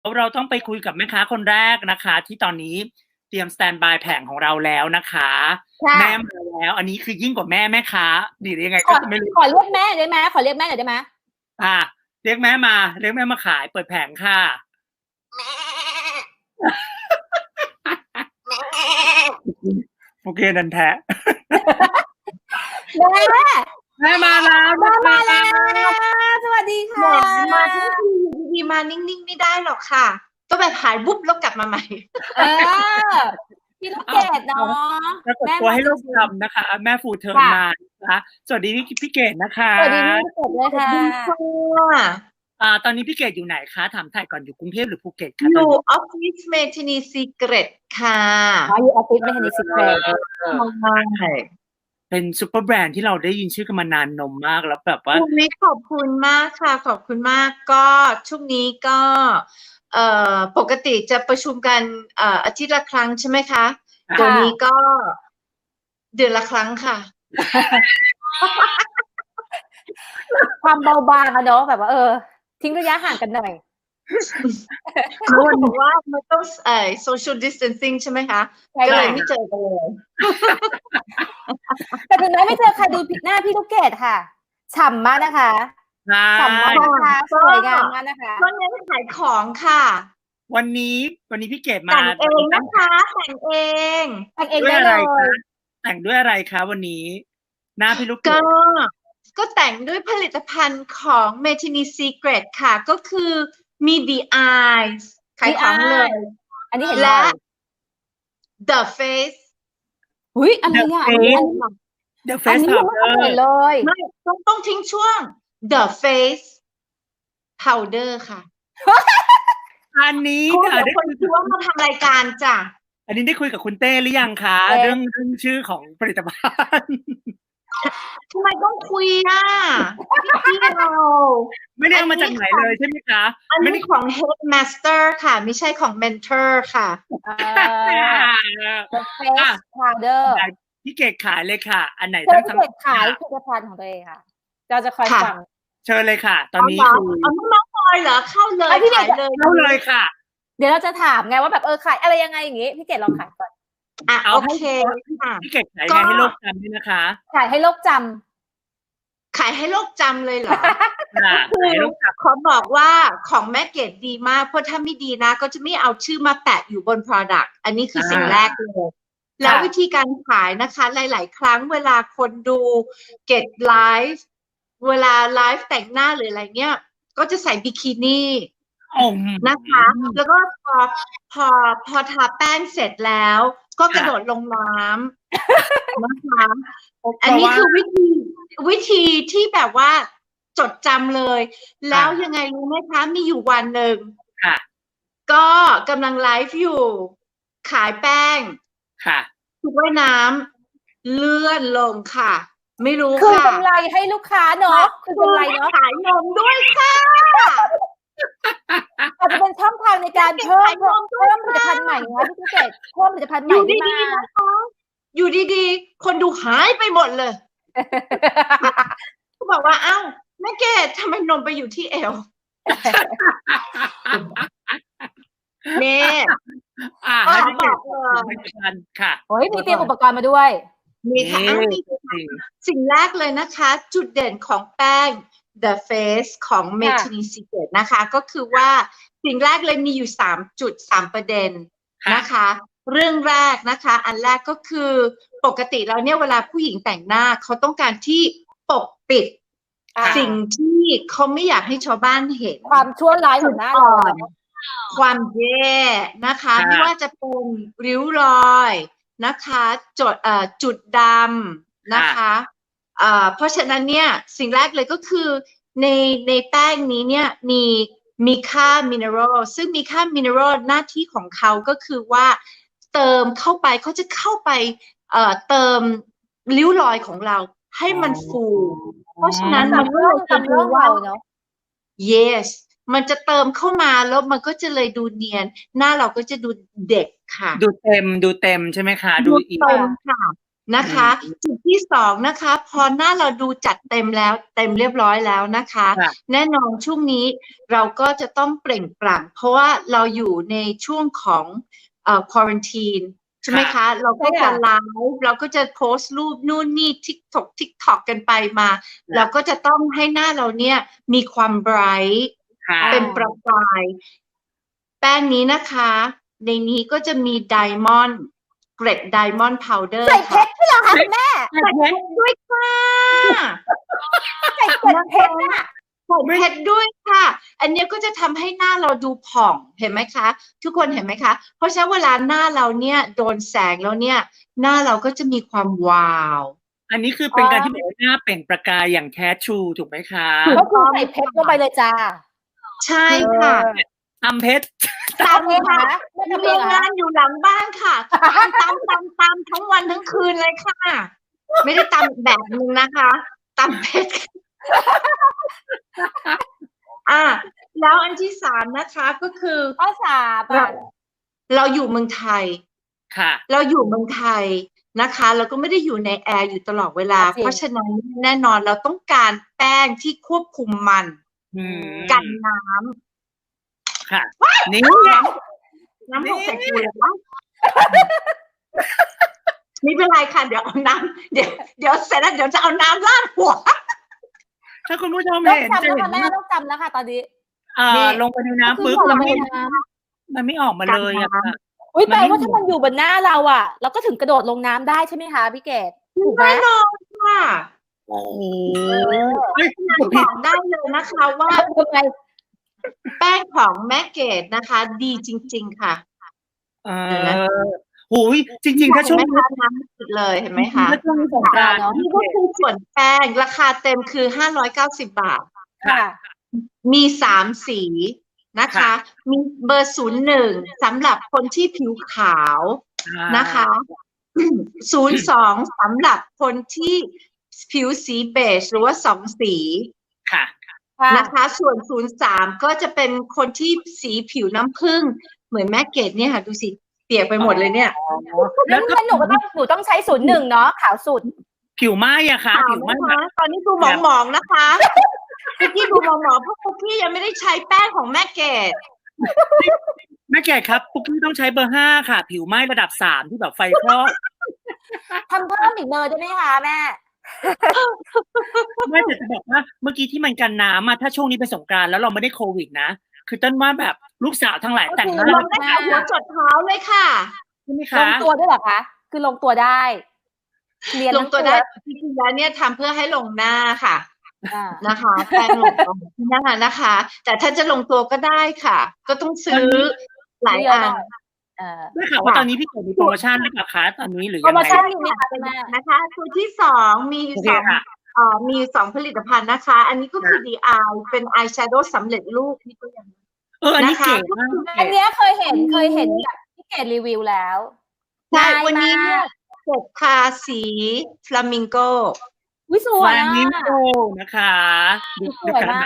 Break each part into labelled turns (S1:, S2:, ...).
S1: เราต้องไปคุยกับแม่ค้าคนแรกนะคะ ที่ตอนนี้เตรียมสแตนบายแผงของเราแล้วนะคะ
S2: ค่ะ
S1: แม่มาแล้ว อันนี้คือยิ่งกว่าแม่ค้าหรือยังไง
S2: ข
S1: ก็
S2: อ
S1: ไม่รู้
S2: ขอเรียกแม่ได้ไหมขอเรียกแม่หน่อยได้ไหม
S1: เรียกแม่มาเรียกแม่มาขายเปิดแผงค่ะ โอเคนันแท้
S2: แม่
S1: แม่มาแล้ว
S2: แม่มาแล้ว สวัสดี
S3: แหม
S2: ค่ะ
S3: มาทั้งทีอยู่ดีๆมานิ่งๆไม่ได้หรอกค่ะต้องแบบหายวุบแล้วกลับมาใหม่
S2: พี่ลูกเกดเนาะ
S1: ปรากฏตัวให้ลูกทำนะคะ แม่ฟูเทิร์นมานะคะสวัสดีพี่เกดนะคะ
S2: สวัสดีพี่ลูกเกดด้วยค่ะ
S1: ตอนนี้พี่เกดอยู่ไหนคะถามถ่ายก่อนอยู่กรุงเทพหรือภูเก็ตคะ
S3: อยู่ออฟฟิศเมทินีซีเกรตค่ะ
S2: อยู่ออฟฟิศไม่ทันได้สิบเลย
S3: ใช่
S1: เป็นซูเปอร์แบรนด์ที่เราได้ยินชื่อกันมานานนมมากแล้วแบบว่า
S3: ช่วงนี้ขอบคุณมากค่ะขอบคุณมากก็ช่วงนี้ก็ปกติจะประชุมกันอาทิตย์ละครั้งใช่ไหมคะเดี๋ยวนี้ก็เดือนละครั้งค่ะ
S2: ความเบาบางอะเนาะแบบว่าทิ้งระยะห่างกันหน่อย
S3: เขาบอกว่ามันต้องsocial distancing ใช่ไหมคะ
S2: ใช่
S3: ก็เลย
S2: ค่ะ
S3: ไม่เจอกันเลย
S2: แต่ถึงแม้ไม่เจอใครดูหน้าพี่ลูกเกดค่ะฉ่ำมากนะคะฉ่ำมากนะคะสวยงามมากนะคะ
S3: ก็เน้นขายของค่ะ
S1: วันนี้พี่เกดมา
S3: แต่งเองนะคะแต่งเอง
S2: แต่งเอง
S1: ด้วย
S2: ได้
S1: อะไร
S2: เลย
S1: คะแต่งด้วยอะไรคะวันนี้ หน้าพี่ลูกเก
S3: ก็
S1: ด
S3: ก็แต่งด้วยผลิตภัณฑ์ของ Metini Secret ค่ะ ก็คือมี The Eyes ขายของเลย
S2: อันนี้เห็น
S3: และ
S2: แล้ว
S3: The Face
S2: อุ้ยอะไรอ่ะอันนี้
S1: The
S2: อัน
S1: Face
S2: นี้ยังไม่เคยเห็น
S1: Powder
S2: เลย
S3: ไม่ต้องทิ้งช่วง The Face Powder ค่ะ
S1: อันนี้
S3: คุณ
S1: ค่ะ
S3: เดี๋ยวคนคิดว่ามาทำรายการจ้ะ
S1: อันนี้ได้คุยกับคุณเต้หรือยังคะเรื่องชื่อของผลิตภัณฑ์
S3: ทำไมต้องคุยอ่ะพี่เรา
S1: ไม่ได้เอามาจากไหนเลยใช่ไหมคะ
S3: อันนี้ของ Headmaster ค่ะ ไม่ใช่ของ Mentor ค่ะ
S2: The Face Powder
S1: พี่เกดขายเลยค่ะ อันไหน
S2: เธอ
S1: ทั้ง
S2: ที่เกดขายผลิตภัณฑ์ของตัวเองค่ะ เราจะคอยฟัง
S1: เชิญเลยค่ะ ตอนนี้
S3: เอาน้องพลอยเหรอเข้าเลยขายเลย
S1: เข้าเลยค่ะ
S2: เดี๋ยวเราจะถามไงว่าแบบขายอะไรยังไงอย่างงี้พี่เกดลองขายก่อน
S3: อ่ะ
S1: เอา
S3: โอ
S1: ให้
S3: เคค่ะ
S1: พี่เกดขายไงให้โลกจำด้วยนะคะ
S2: ขายให้โลกจ
S3: ขายให้โลกจำเลยเหรอ
S1: ค่ะขายให้โลกจ
S3: ขอบอกว่าของแม่เกดดีมากเพราะถ้าไม่ดีนะก็จะไม่เอาชื่อมาแปะอยู่บน Product อันนี้คือสิ่งแรกเลยแล้ววิธีการขายนะคะหลาย ๆ ครั้งเวลาคนดูเกดไลฟ์เวลาไลฟ์แต่งหน้าหรืออะไรเงี้ยก็จะใส่บิกินี่
S1: ำ
S3: นะคะ แล้วก็พอทาแป้งเสร็จแล้ว ก็กระโดดลงน้ำนะคะ อันนี้คือวิธีที่แบบว่าจดจำเลย แล้วยังไงรู้ไหมคะ มีอยู่วันหนึ่ง
S1: ค่ะ
S3: ก็กำลังไลฟ์อยู่ ขายแป้ง
S1: ค่ะ
S3: ชุดว่ายน้ำเลื่อนลงค่ะ ไม่รู้
S2: ำคือ
S3: ค่ะ
S2: กำไรให้ลูกค้าเนาะคือกำไรเนาะ
S3: ขายนมด้วยค่ะ
S2: อาจจะเป็นช่องทางในการเพิ่มผลิตภัณฑ์ใหม่นะพี่เกดเพิ่มผลิตภัณฑ์ให
S3: อ
S2: ม่
S3: ยู่
S2: ขึ้น
S3: ดี
S2: มา
S3: ๆนะคะอยู่ดีๆ คนดูหายไปหมดเลยก็บอกว่าเอ้าแม่เกดทำไมนมไปอยู่ที่เอวเนี่ย
S1: ให้พี่เกด
S3: บอกเลย
S1: ผลิตภัณฑ์ค่ะ
S2: โอ้ยมีเตรียมอุปกรณ์มาด้วย
S3: มีค่ะอ้าวมีสิ่งแรกเลยนะคะ จุดเด่นของแป้ง The Face ของ Metini Secret นะคะ ก็คือว่าสิ่งแรกเลยมีอยู่3 ประเด็นนะคะ เรื่องแรกนะคะ อันแรกก็คือปกติแล้วเนี่ยเวลาผู้หญิงแต่งหน้าเขาต้องการที่ปกปิด สิ่งที่เขาไม่อยากให้ชาวบ้านเห็น
S2: ความชั่วร้ายของหน้าเรา
S3: ความแย่นะคะไม่ว่าจะเป็นริ้วรอยนะคะจุดดำนะคะเพราะฉะนั้นเนี่ยสิ่งแรกเลยก็คือในแป้งนี้เนี่ยมีค่ามินเนอรัลซึ่งมีค่ามินเนอรัลหน้าที่ของเขาก็คือว่าเติมเข้าไปเขาจะเข้าไปเติมริ้วรอยของเราให้มันฟูเพราะฉะนั้นมันก็เลยจะดูว่า yes มันจะเติมเข้ามาแล้วมันก็จะเลยดูเนียนหน้าเราก็จะดูเด็กค่ะ
S1: ดูเต็มใช่ไหมคะดูอีก
S3: เต็มค่ะนะคะ จุดที่สองนะคะ พอหน้าเราดูจัดเต็มแล้วเต็มเรียบร้อยแล้วนะคะ
S1: ค่ะ
S3: แน่นอนช่วงนี้เราก็จะต้องเปล่งปลั่งเพราะว่าเราอยู่ในช่วงของควอรันทีนใช่ไหมคะ เราก็จะไลฟ์เราก็จะโพสต์รูปนู่นนี่TikTok กันไปมา เราก็จะต้องให้หน้าเราเนี่ยมีความไบรท์
S1: ค่ะ
S3: เป็นประกายแป้งนี้นะคะ ในนี้ก็จะมีไดมอนด์เกร็ดไดมอนด์พาวเดอร์
S2: ใส่เพชรด้วยเหรอคะคุณแม่
S3: ใส่เพชรด้วยค่ะ
S2: ใส่เกล็ดเพชรอ่ะ
S3: ใส่เพชรด้วยค่ะ อันนี้ก็จะทำให้หน้าเราดูผ่องเห็นไหมคะ ทุกคนเห็นไหมคะ เพราะฉะนั้นเวลาหน้าเราเนี่ยโดนแสงแล้วเนี่ย หน้าเราก็จะมีความวาว
S1: อันนี้คือเป็นการที่แบบว่าหน้าเปล่งประกายอย่างแท้ทรูถูกไหมคะ
S2: ก็คือใส่เพชรลงไปเลยจ้า
S3: ใช่ค่ะ
S1: ทำเพชร
S2: ตามเองคะไม่ทำเอ
S3: โรง ง
S2: เหรอ
S3: งานอยู่หลังบ้านค่ะตามทั้งวันทั้งคืนเลยค่ะ ไม่ได้ตามแบบนึงนะคะตามเพชรแล้วอันที่สามนะคะก็คือ
S2: ข้อสาม
S3: เราอยู่เมืองไทย
S1: ค่ะ
S3: เราอยู่เมืองไทยนะคะเราก็ไม่ได้อยู่ในแอร์อยู่ตลอดเวลา เพราะฉะนั้นแน่นอนเราต้องการแป้งที่ควบคุมมัน กันน้ำ
S1: ค่ะ นี่
S3: น้ำหกใส่กูเลยวะไม่เป็นไรค่ะเดี๋ยวเอาน้ำเดี๋ยวเสร็จแล้วเดี๋ยวจะเอาน้ำราดหัว
S1: ถ้าคุณผู้ชม
S2: ต้อง
S1: เห็น
S2: จำ
S1: จะ
S2: แล้ว
S1: เห็
S2: ค่ะ
S1: น
S2: แม่ต้องจำแล้วค่ะตอนนี้
S1: ลงไปในน้ำปุ๊บ
S2: ล
S1: มั
S2: ง
S1: น
S2: ไป
S1: ไม่
S2: ในน้ำ
S1: มันไม่ออกมาเลยอะค่ะ
S2: อุ้ยแปลว่าถ้ามันอยู่บนหน้าเราอ่ะเราก็ถึงกระโดดลงน้ำได้ใช่ไหมคะพี่เกดถูกไหม
S3: แน่นอนค่ะ
S1: โอ้โห
S3: บอกได้เลยนะคะว่า
S2: ทำไม
S3: แป้งของแม่เกดนะคะ ดีจริง ๆ ค่ะ
S1: โอ้ยจริงๆถ้าช่วง
S3: เห็นไหม
S1: นี้
S3: คะน้ำสุดเลยเห็นไหมคะ
S1: ถ้าช่วงนี้สงกรานต์
S3: นี่ก็คือส่วนแป้งราคาเต็มคือ590 บาท
S2: ค่ะ
S3: มี3สีนะคะ มีเบอร์01สำหรับคนที่ผิวขาวนะคะ02สำหรับคนที่ผิวสีเบจหรือว่า2สี
S1: ค่ะ
S3: นะคะส่วน03ก็จะเป็นคนที่สีผิวน้ำผึ้งเหมือนแม่เกดเนี่ยค่ะดูสิเปียกไปหมดเลยเนี่ย
S2: แล้วหนูต้องใช้01เนาะขาวสุด
S1: ผิวไหม้อะค่ะ ผิวไหม้
S3: นะคะตอนนี้ดูหมองๆนะคะคุกกี้ดูหมองๆเพราะคุกกี้ยังไม่ได้ใช้แป้งของแม่เกด
S1: แม่แก่ครับปุ๊กกี้ต้องใช้เบอร์ 5 ค่ะ ผิวไหม้ระดับ 3 ที่แบบไฟคลอก
S2: ทำเพิ่มอีกเบอร์ได้ไหมคะแม่
S1: ไม่แต่จะบอกว่าเมื่อกี้ที่มันกันน้ำอะถ้าช่วงนี้เป็นสงกรานต์แล้วเราไม่ได้โควิดนะ คือต้นว่าแบบลูกสาวทั้งหลายแต่งหน้า
S3: ลงได้จากหัวจดเท้าเลยค่ะ
S1: ใช่ไหม
S2: ล
S1: คะ
S2: งตัวด้วยเหรอคะ คือลงตัวได้เรียน
S3: ลงตัวได้จริงๆแล้วเนี่ยทำเพื่อให้ลงหน้าค่ะ
S2: อ่า
S3: นะคะแป้งลงตรงหน้านะคะ แต่ถ้าจะลงตัวก็ได้ค่ะ ก็ต้องซื้อหลายอัน
S1: ได้ข่าวว่าตอนนี้พี่เกิดมีโปรโมชั่นหรือเปล่าคะตอนนี้หรือ
S2: โปร
S1: ยัง
S2: โม
S1: ไง
S2: ชั่นมีไหมคะคุณแม่
S3: นะคะตัวที่สองมีอยู่
S1: โอ
S3: ส
S1: เค
S3: อง
S1: ค่ะ
S3: มีสองผลิตภัณฑ์นะคะ อันนี้ก็คือ DI เป็นอายแชโดว์สำเร็จรูปนี่ก็ยัง
S1: อันนี้
S3: นะคะ
S1: เก๋มาก
S2: อันเนี้ยเคยเห็นแบบพี่เกดรีวิวแล้ว
S3: ใช่
S2: ง่าย
S3: วันนี้
S2: มาก
S3: เนี่ยเสร็จทาสีฟลามิงโก
S2: วิส
S1: ฟ
S2: วย
S1: ลา
S2: อ่ะ
S1: มิงโกนะคะดู
S2: สวยมาก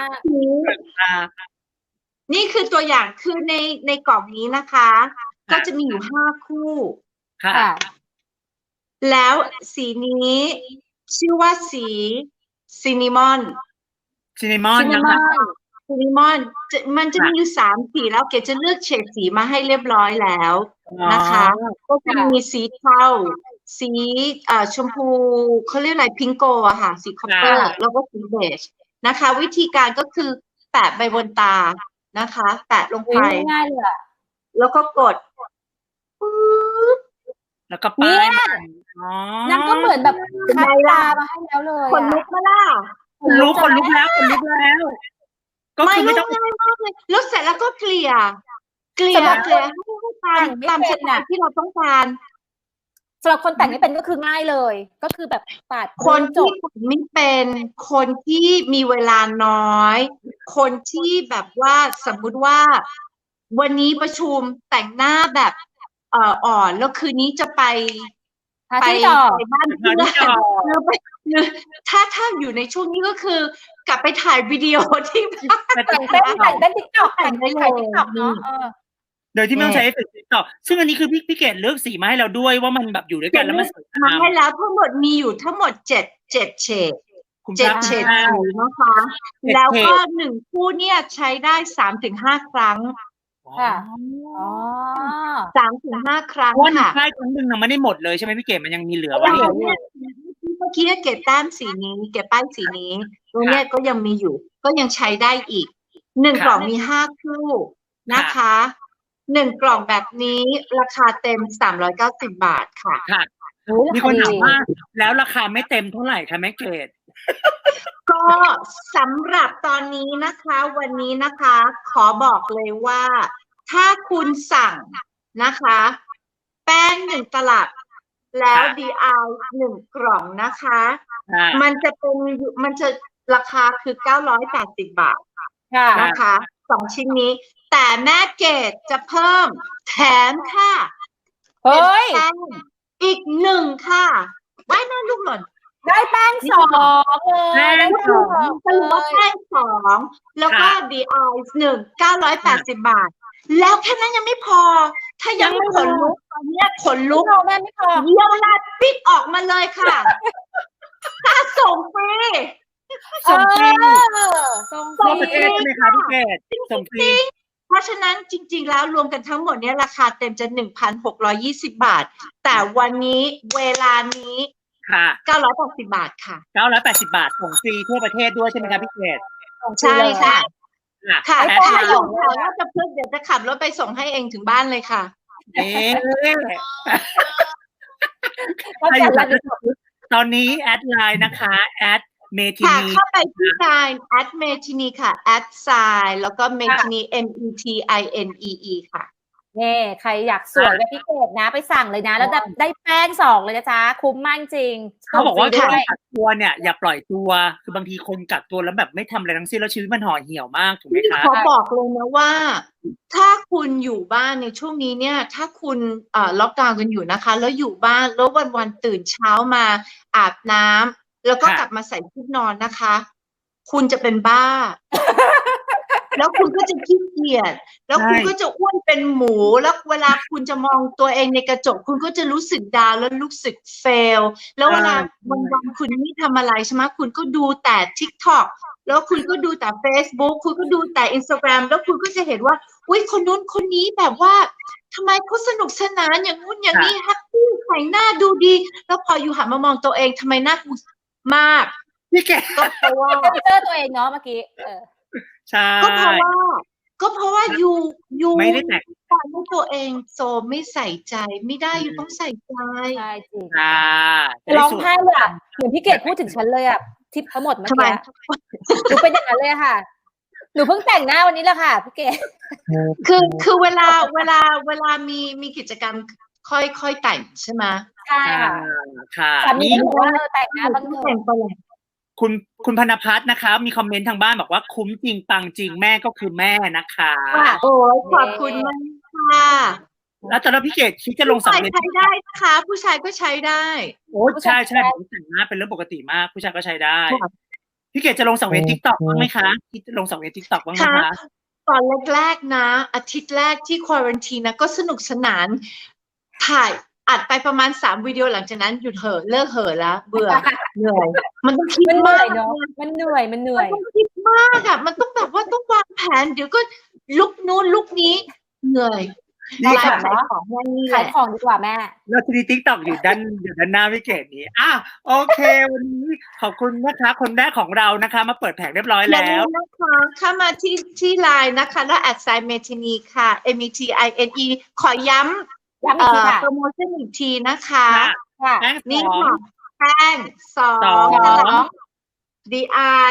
S3: นี่คือตัวอย่างคือในกล่องนี้นะคะ ก็จะมีอยู่5 คู่
S1: ค่ะ
S2: ค่ะ
S3: แล้วสีนี้ชื่อว่าสีซินนามอน
S1: ซินนามอน
S2: ซินนา
S1: นะ
S2: มอ
S1: คะ
S2: น
S3: ซินนามอนมันจะมีอยู่3 สีแล้วเกดจะเลือกเฉดสีมาให้เรียบร้อยแล้วนะคะ ก็จะมีสีเทาสีชมพูเขาเรียกอะไรพิงโกอะค่ะ สีคอปเปอร์แล้วก็สีเบจนะคะ วิธีการก็คือแปะไปบนตานะคะ แปะลงไป
S2: ง่ายๆเลยอะ
S3: แล้วก็กดปึ๊บ
S1: แล้วก็ป้าย
S2: นางก็เหมือนแบบคัดตามาให้แล้วเลย
S3: ขนลุกมาล่ะ
S1: คนลุกแล้ว ก็
S3: ไม่
S1: คือไม่
S3: ไม่
S1: ต้อง
S3: ง่ายมากเลยแล้วเสร็จแล้วก็เกลี่ยให้ตามสไตล์ที่เราต้องการ
S2: สำหรับคนแต่งไม่เป็นก็คือง่ายเลย ก็คือแบบปาด
S3: คน
S2: จ
S3: ที่
S2: บ
S3: แต่งไม่เป็นคนที่มีเวลาน้อย คนที่แบบว่าสมมุติว่า วันนี้ประชุมแต่งหน้าแบบอ่อนแล้วคืนนี้จะไป
S2: หาที่ต่อ
S3: ไปบ้านเพื่อนหรือถ้าอยู่ในช่วงนี้ก็คือกลับไปถ่ายวิดีโอที่บ้าน
S2: แต่งเต้นติ๊กต็อกแต่งได้ถ่ายติ๊กต็อกเนาะ
S1: โดยที่ไม่ต้องใช้เอฟเฟกต์ TikTok ซึ่งอันนี้คือพี่เกดเลือกสีมาให้เราด้วยว่ามันแบบอยู่ด้วยกันแล้วมันสวยงาม
S3: ให้แล้วทั้งหมดมีอยู่ทั้งหมดเจ็ดเฉด
S1: คุณ
S3: เจ็ด
S1: พระ
S3: เฉด
S1: เจ้า
S3: สีนะคะ
S1: เจ็ด
S3: แล้วก็
S1: เฉด
S3: 1 คู่เนี่ยใช้ได้ 3-5 ครั้ง
S2: ค่ะ อ๋อ
S3: 3-5 ครั้ง
S1: เพราะว่าหนึ่ง
S3: ค่ะ
S1: ป้ายครั้งหนึ่งน่ะมันไม่ได้หมดเลยใช่ไหมพี่เกดมันยังมีเหลือ
S2: ยั
S1: ไว้
S2: งเหลือ
S3: เนี่ยเมื่อกี้เก็บแต้มสีนี้ เก็บป้ายสีนี้ ตรงเนี้ยก็ยังมีอยู่ ก็ยังใช้ได้อีก 1 กล่องมี 5 คู่นะคะ 1 กล่องแบบนี้ราคาเต็ม 390 บาทค่ะ
S1: ค่ะ
S2: อุ๊ย
S1: มีคนถาม
S2: ดี
S1: ว่าแล้วราคาไม่เต็มเท่าไหร่คะแม่เกด
S3: ก็สำหรับตอนนี้นะคะวันนี้นะคะขอบอกเลยว่าถ้าคุณสั่งนะคะ แป้ง1 ตลับ แล้ว DI 1 กล่องนะคะ มันจะราคาคือ 980 บาท
S2: ค่ะ
S3: นะคะ2 ชิ้นนี้ แต่แม่เกดจะเพิ่มแถมค่ะ
S2: เฮ้ย
S3: เป็นแป้งอีก1 ค่ะไว้แม่ลูกหล่น
S2: ได้แป้ง2เลย
S1: แป้ง
S2: ได้
S1: สอง
S3: สรุปว่าแป้ง2แล้วก็ DI 1 980 บาท แล้วแค่นั้นยังไม่พอ ถ้ายังไม่ขนลุกตอนเนี้ยขนลุ
S2: ลู
S3: ก
S2: กเราแม่ไม่พอ
S3: เยี่ยวลาดปิดออกมาเลยค่ะค่าส่งฟรี
S1: ส่งฟรี
S2: ส่งฟ
S1: ทั่ว
S2: รี
S1: ประเทศใช่ไหมคะพี่เกดส่งฟรี
S3: เพราะฉะนั้นจริงๆแล้วรวมกันทั้งหมดเนี้ยราคาเต็มจะ 1,620 บาท แต่วันนี้เวลานี้
S1: ค่ะ
S3: 980 บาทค่ะ
S1: 980 บาทส่งฟรีทั่วประเทศด้วยใช่ไหมคะพี่เกด
S3: ใช่ค่ะ ค่ะ
S1: แอด
S3: ถ้า
S1: ไล
S3: อยู่
S1: น์
S3: แถวราชพฤกษ์เดี๋ยวจะขับรถไปส่งให้เองถึงบ้านเลยค่ะ
S1: เอ๊ะ
S2: ก็
S1: ถ้าอ
S2: จั
S1: ยู่
S2: ด
S1: แบ
S2: ระ
S1: บ
S2: ดับ
S1: ตอนนี้แอดไลน์นะคะแอดเมทิ
S3: ค่ะ
S1: นี
S3: เข้าไปที่ line @metini ค่ะ @sign แล้วก็ metini METINEE ค่ะ
S2: นี่ใครอยากสวยแบบพี่เกดนะไปสั่งเลยนะ แล้วได้แป้ง2เลยนะจ๊ะ คุ้มมากจริง
S1: เขาบอกว่า
S2: ส่งฟรี
S1: ช่วง
S2: ด้วย
S1: กักตัวเนี่ยอย่าปล่อยตัวคือบางทีคนกักตัวแล้วแบบไม่ทำอะไรทั้งสิ้นแล้วชีวิตมันห่อเหี่ยวมากถูกไหมคะ
S3: ขอบอกเลยนะว่า ถ้าคุณอยู่บ้านในช่วงนี้เนี่ย ถ้าคุณล็อกดาวน์กันอยู่นะคะ แล้วอยู่บ้านแล้ววันๆตื่นเช้ามาอาบน้ำแล้วก็กลับมาใส่ชุดนอนนะคะ คุณจะเป็นบ้า แล้วคุณก็จะขี้เกียจแล้วคุณก็จะอ้วนเป็นหมูแล้วเวลาคุณจะมองตัวเองในกระจกคุณก็จะรู้สึกดาวแล้วรู้สึกเฟลแล้วเวลาวันๆคุณไม่ทำอะไรใช่ไหมคุณก็ดูแต่ TikTok แล้วคุณก็ดูแต่ Facebook คุณก็ดูแต่ Instagram แล้วคุณก็จะเห็นว่าอุ๊ยคนนู้นคนนี้แบบว่าทำไมเขาสนุกสนานอย่างนู้นอย่างนี้แฮปปี้ใส่หน้าดูดี แล้วพออยู่หันมามองตัวเองทำไมหน้ากูมาก
S1: พี่แก
S3: ก็เพราะว่า
S2: เจอตัวเองเนาะเมื่อกี้
S1: ใช่
S3: ก็เพราะว่ายู
S1: ไม่ได้แต่ง
S3: ปล่อยให้ตัวเองโซมไม่ใส่ใจไม่ได้ยูต้องใส่ใจ
S2: ใช่จริง
S1: ค่ะ
S2: ร้องไห้เลยอ่ะเหมือนพี่เกดพูดถึงฉันเลยอ่ะทิปทั้งหมดเมื่อ
S3: ทำไม
S2: กี้หนูเป็นอย่างนั้นเลยค่ะ หนูเพิ่งแต่งหน้าวันนี้แหละค่ะพี่เกด
S3: คือเวลามีกิจกรรมค่อยแต่งใช่ไหม
S2: ใช่ค่ะ
S1: ค่ะ
S2: สามี
S1: นี่
S2: ก็บอกว่าแต่งหน้า
S3: ต้
S2: บ้า
S3: อง ง
S2: เถ
S3: แต่
S2: อะ
S3: งไปเลย
S1: คุณพนพัฒน์นะคะมีคอมเมนต์ทางบ้านบอกว่าคุ้มจริงปังจริงแม่ก็คือแม่นะคะ
S3: โอ้ยขอบคุณมากค่ะ
S1: แล้วตอนนั้นพี่เกดคิดจะลง
S3: ผู้
S1: สัง
S3: ชาย
S1: เวียน
S3: ใช้ได้นะคะผู้ชายก็ใช้ได้
S1: โอ้ใช่ผมแต่งหน้าเป็นเรื่องปกติมากผู้ชายก็ใช้ได้
S3: ค่ะ
S1: พี่เกดจะลงสังเวียน TikTok บ้างไหมคะคิดจะลงสังเวียน TikTok บ้างไหม
S3: ค่ะ
S1: คะ
S3: ตอนแรกๆนะ อาทิตย์แรกที่ควอรันทีนะก็สนุกสนานถ่ายอัดไปประมาณ3 วิดีโอหลังจากนั้นหยุดเหอะเลิกเหอะแล้วเบื่อ เหนื่อยมันต้องคิด
S2: มันเหนื่
S3: มา
S2: อย
S3: ก
S2: เนาะมันเหนื่อย
S3: มันต้องคิดมากอ่ะมันต้องแบบว่าต้องวางแผนเดี๋ยวก็ลุกนู้นลุกนี้เหนื่อย
S1: นี่
S3: ไล
S1: ค่ะ
S3: ฟ์ขายของแค่นี้แห
S2: ขาย
S3: ละ
S2: ของดีกว่าแม่
S1: เราจะมี TikTok อยู่ด้านหน้าพี่เกดนี้โอเค วันนี้ขอบคุณนะคะคนแรกของเรานะคะ มาเปิดแผงเรียบร้อย
S3: อย่า
S1: แล้
S3: ลื
S1: ว
S3: มนะคะเข้ามาที่ไลน์นะคะแล้วแอดไซน์เมทินีค่ะ METINE ขอย้ำ
S2: ย้ำอีกทีค่ะ
S3: โปรโมชั่นอีกทีนะคะ
S2: ค่ะ
S1: แป้ง
S3: นี่
S1: สอง
S3: ค่ะแป้งสอ
S1: สอง ง
S3: ตลับ DI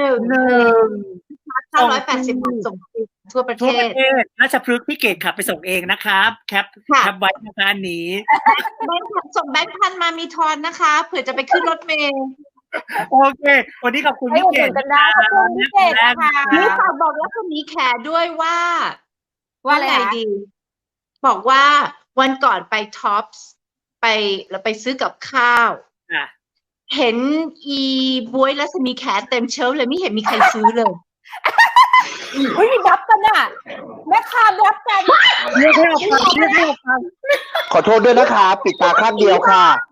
S3: 980 บาทส่งฟรีทั่วประเท
S1: ทั่วประ
S3: ศ
S1: เทศราชพฤกษ์พี่เกดขับไปส่งเองนะครับแคปไว้นะคะอันนี้
S3: แบงค์พันส่งแบงค์พันมามีทอนนะคะ เผื่อจะไปขึ้นรถเมล์
S1: โอเค วันนี้ขอบคุณ
S2: ให้
S1: พี่
S2: อุด
S1: เก
S2: หนุ
S1: ด
S2: นกันได้ขอบคุณพี่เกดนะคะ
S3: นี่ฝากบอกแล้วคนนี้แขด้วยว่า
S2: ว่าอะไร
S3: ไง
S2: นะ
S3: ดี บอกว่าวันก่อนไปท็อปส์เราไปซื้อกับข้าว
S1: อ่ะ
S3: เห็นอีบวยรัศมีแขเต็มเชลฟ์เลยไม่เห็นมีใครซื้อเลย
S2: อุ้ยมีรับกันอ่ะแม่ค้ารับกัน
S1: เรียกให้ออกมาเรียกให้ออกมา
S4: ขอโทษด้วยนะคะ ปิดตาข้างเดียวค่ะ